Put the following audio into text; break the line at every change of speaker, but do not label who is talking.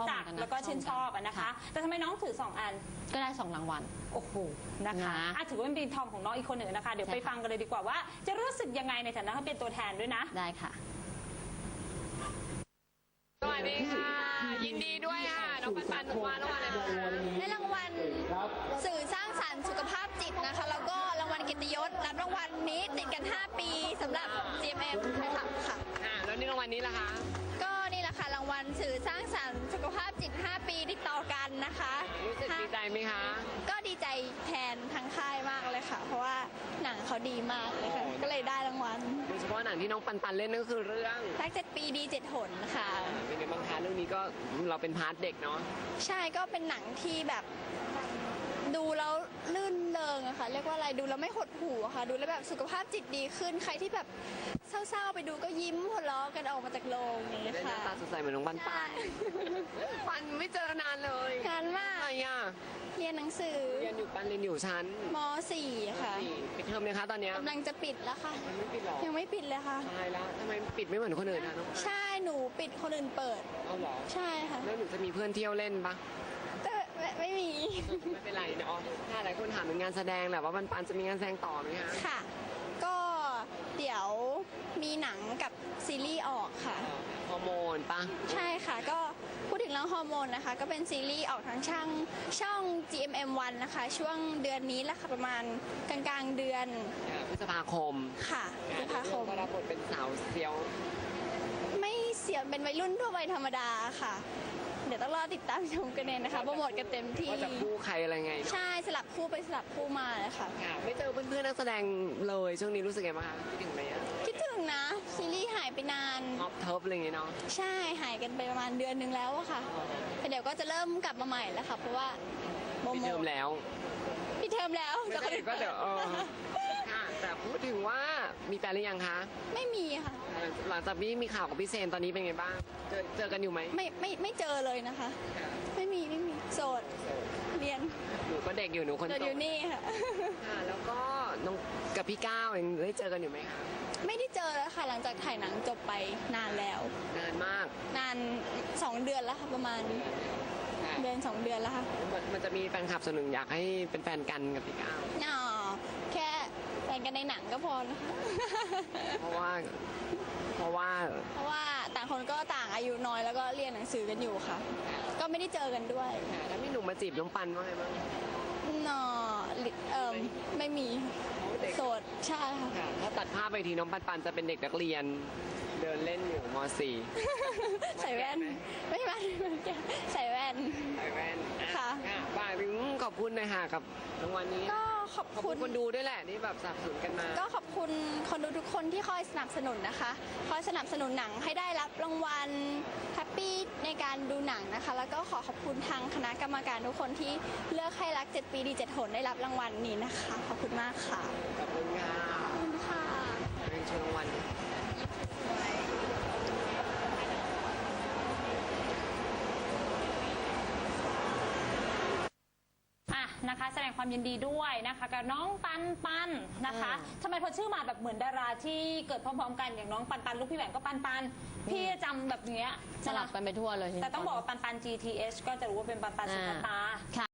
จักแล้วก็ชื่นชอบนะคะแต่ทำไมน้องถือ2 อัน
ก็ได้2 รางวัล
โอ้โหนะคะถือว่าเป็นปีทองของน้องอีกคนหนึ่งนะคะเดี๋ยวไปฟังกันเลยดีกว่าว่าจะรู้สึกยังไงในฐานะที่เป็นตัวแทนด้วยนะ
ได้ค่ะ
สวัสดีค่ะยินดีด้วยค่ะน้องปันๆว่ารางวัลอะไร
ได้รางวัลสื่อสร้างสรรค์สุขภาพจิตนะคะแล้วก็รางวัลเกียรติยศรับรางวัลนี้ติดกัน5 ปีสำหรับ GMM ค่ะ
แล้วนี่รางวัลนี้ล่ะคะ
ก็นี่แหละค่ะรางวัลสื่อสร้างสรรค์สุขภาพจิต5 ปีติดต่อกันนะคะ
รู้สึกดีใจไหมคะ
ก็ดีใจแทนทางค่ายมากเลยค่ะเพราะว่าหนังเขาดีมากเลยค่ะก็เลยได้รางวัล
โดยเฉพาะหนังที่น้องปันๆเล่นนั่นก็คือเรื่อง
รัก7 ปีดี7 หนค่ะ
เป็นไงบ้างคะเรื่องนี้ก็เราเป็นพาร์ทเด็กเนาะ
ใช่ก็เป็นหนังที่แบบดูแล้วลื่นเริงอะค่ะเรียกว่าอะไรดูแล้วไม่หดหู่อะค่ะดูแล้วแบบสุขภาพจิตดีขึ้นใครที่แบบเศร้าๆไปดูก็ยิ้มหัวเราะกันออกมาจากโรงนี้ค่ะ
ตาสดใสเหมือนน้องปันปันไม่เจอนานเลย
นานมาก
อะไรอ่ะ
เรียนหนังสือ
เรียนอยู่ปันเรียนอยู่ชั้น
ม.4 ค่ะ
ปิดเทอมเลยคะตอนนี้
กำลังจะปิดแล้วค่ะ
ไม่ปิดหรอ
ยังไม่ปิดเลยค่ะ
ตายแล้วทำไมปิดไม่เหมือนคนอื่นคะน้อง
ใช่หนูปิดคนอื่นเปิด
เอาหรอ
ใช่ค่ะ
แล้วหนูจะมีเพื่อนเที่ยวเล่นปะ
ไม่มี
ไม่เป็นไรเนาะถ้าหลายคนถามถึงงานแสดงแหละว่าปันจะมีงานแสดงต่อไหมคะ
ค่ะก็เดี๋ยวมีหนังกับซีรีส์ออกค่ะ
ฮอร์โมนปะ
ใช่ค่ะก็พูดถึงเรื่องฮอร์โมนนะคะก็เป็นซีรีส์ออกทางช่อง GMM1 นะคะช่วงเดือนนี้แหละค่ะประมาณกลางเดือน
พฤษภาคม
ค่ะพฤษภาคม
ก็รับบทเป็นสาวเซียว
ไม่เสียเป็นวัยรุ่นทั่วไปธรรมดาค่ะเดี๋ยวต้องรอติดตามชมกันเองนะคะโปรโมทกันเต็มที่
ว่าจะคู่ใครอะไรไง
ใช่สลับคู่ไปสลับคู่มาเลยค่ะ
ไม่เจอเพื่อนๆนักแสดงเลยช่วงนี้รู้สึกไงบ้างคะคิดถึงไหม
คิดถึงนะซีรีส์หายไปนาน
ท็อปเทิร์ฟอะไรอย่างเงี้ยเนาะ
ใช่หายกันไปประมาณเดือนนึงแล้วอะค่ะแต่เดี๋ยวก็จะเริ่มกลับมาใหม่แล้วค่ะเพราะว่า
ปิดเทอมแล้ว
ปิดเทอมแล้ว
ก็เดี๋ยวค่ะแต่พูดถึงว่ามีแฟนหรือยังคะ
ไม่มีค่ะ
หลังจากนี้มีข่าวกับพี่เซนตอนนี้เป็นไงบ้างเจอกันอยู่ไหม
ไม่เจอเลยนะคะไม่มีโสดเรียน
หนูก็เด็กอยู่หนูคนโต
อยู่นี่ค่ะ
แล้วก็น้องกับพี่ก้าวยังได้เจอกันอยู่ไหมคะ
ไม่ได้เจอแล้วค่ะหลังจากถ่ายหนังจบไปนานแล้ว
นานมาก
นาน2 เดือนแล้วค่ะประมาณเดือน2 เดือนแล้วค่ะ
มันจะมีแฟนคลับส่วนหนึ่งอยากให้เป็นแฟนกันกับพี่ก้าว
แค่แฟนกันในหนังก็พอนะคะ
เพราะว่า
ต่างคนก็ต่างอายุน้อยแล้วก็เรียนหนังสือกันอยู่ค่ะก็ไม่ได้เจอกันด้วย
แล้วมีหนุ่มมาจีบน้องปันว่าไงบ้าง
ไม่มีโสดใช่ค่ะ
ถ้าตัดภาพไปทีน้องปันจะเป็นเด็กนักเรียนเดินเล่นอยู่ม.4
ใส่แว่นไม่มาใส่แว่นค่ะ
บ่ายขอบคุณนะคะกับรางวัลนี้
ก็ขอบคุณ
คนดูด้วยแหละที่แบบสนับสนุนกันมา
ก็ขอบคุณคนดูทุกคนที่คอยสนับสนุนนะคะคอยสนับสนุนหนังให้ได้รับรางวัลแฮปปี้ในการดูหนังนะคะแล้วก็ขอบคุณทางคณะกรรมการทุกคนที่เลือกให้รัก7 ปีดี7 หนได้รับรางวัลนี้นะคะขอบคุณมากค่ะ
ขอบคุณค่ะ
ขอบคุณค่ะ
เป็นชมรางวัล
นะคะแสดงความยินดีด้วยนะคะกับน้องปันนะคะทำไมพอชื่อมาแบบเหมือนดาราที่เกิดพร้อมๆกันอย่างน้องปันลูกพี่แหวนก็ปันพี่จำแบบเนี้ย
สลับกันไปทั่วเลย
แต่ต้องบอกว่าปัน GTH ก็จะรู้ว่าเป็นปันสุภตา